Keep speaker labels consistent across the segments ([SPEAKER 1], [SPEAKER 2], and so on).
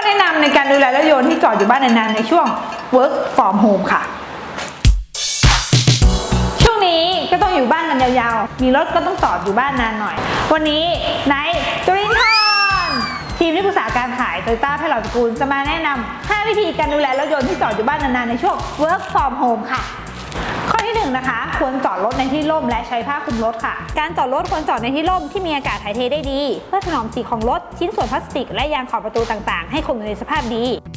[SPEAKER 1] แนะนำในการดูแลรถยนต์ที่จอดอยู่บ้านนานๆในช่วง work from home ค่ะช่วงนี้ก็ต้องอยู่บ้านกันยาวๆมีรถก็ต้องจอดอยู่บ้านนานหน่อยวันนี้ไนท์จรินทร์ทีมที่ปรึกษาการขาย Toyota แพทย์เหล่าตระกูลจะมาแนะนำ5วิธีการดูแลรถยนต์ที่จอดอยู่บ้านนานๆในช่วง work from home ค่ะข้อที่1นะคะควรจอดรถในที่ร่มและใช้ผ้าคลุมรถค่ะการจอดรถควรจอดในที่ร่มที่มีอากาศถ่ายเทได้ดีเพื่อถนอมสีของรถชิ้นส่วนพลาสติกและยางขอบประตูต่างๆให้คงอยู่ในสภาพดี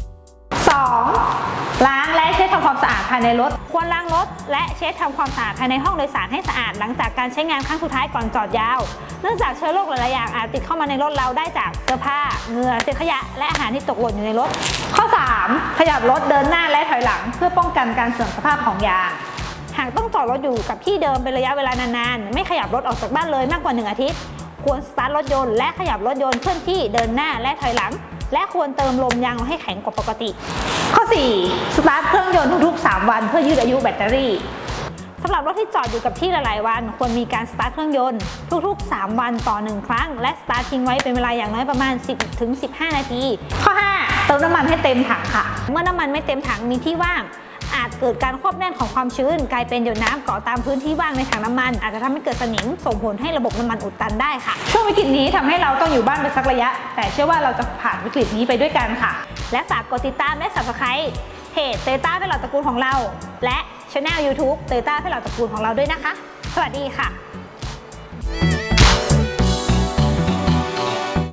[SPEAKER 1] 2. ล้างและเช็ดทำความสะอาดภายในรถควรล้างรถและเช็ดทำความสะอาดภายในห้องโดยสารให้สะอาดหลังจากการใช้งานครั้งสุดท้ายก่อนจอดยาวเนื่องจากเชื้อโรคหลายๆอย่างอาจติดเข้ามาในรถเราได้จากเสื้อผ้าเหงื่อเศษขยะและอาหารที่ตกหล่นอยู่ในรถข้อ 3. ขยับรถเดินหน้าและถอยหลังเพื่อป้องกันการเสื่อมสภาพของยางหากต้องจอดรถอยู่กับที่เดิมเป็นระยะเวลานานๆไม่ขยับรถออกจากบ้านเลยมากกว่า1 อาทิตย์ควรสตาร์ทรถยนต์และขยับรถยนต์เคลื่อนที่เดินหน้าและถอยหลังและควรเติมลมยางให้แข็งกว่าปกติข้อ 4. สตาร์ทเครื่องยนต์ทุกๆ3 วันเพื่อยืดอายุแบตเตอรี่สำหรับรถที่จอดอยู่กับที่หลายๆวันควรมีการสตาร์ทเครื่องยนต์ทุกๆ3 วันต่อ1 ครั้งและสตาร์ททิ้งไว้เป็นเวลาอย่างน้อยประมาณ 10-15 นาทีข้อ 5. เติมน้ำมันให้เต็มถังค่ะเมื่อน้ำมันไม่เต็มถังมีที่ว่างอาจเกิดการควบแน่นของความชื้นกลายเป็นหยดน้ำเกาะตามพื้นที่ว่างในถังน้ำมันอาจจะทำให้เกิดสนิมส่งผลให้ระบบน้ำมันอุดตันได้ค่ะช่วงวิกฤตนี้ทำให้เราต้องอยู่บ้านไปสักระยะแต่เชื่อว่าเราจะผ่านวิกฤตนี้ไปด้วยกันค่ะและฝากกดติดตามและ Subscribe เพจ Toyota แพทย์เหล่าตระกูลของเราและ Channel YouTube Toyota แพทย์เหล่าตระกูลของเราด้วยนะคะสวัสดีค่ะ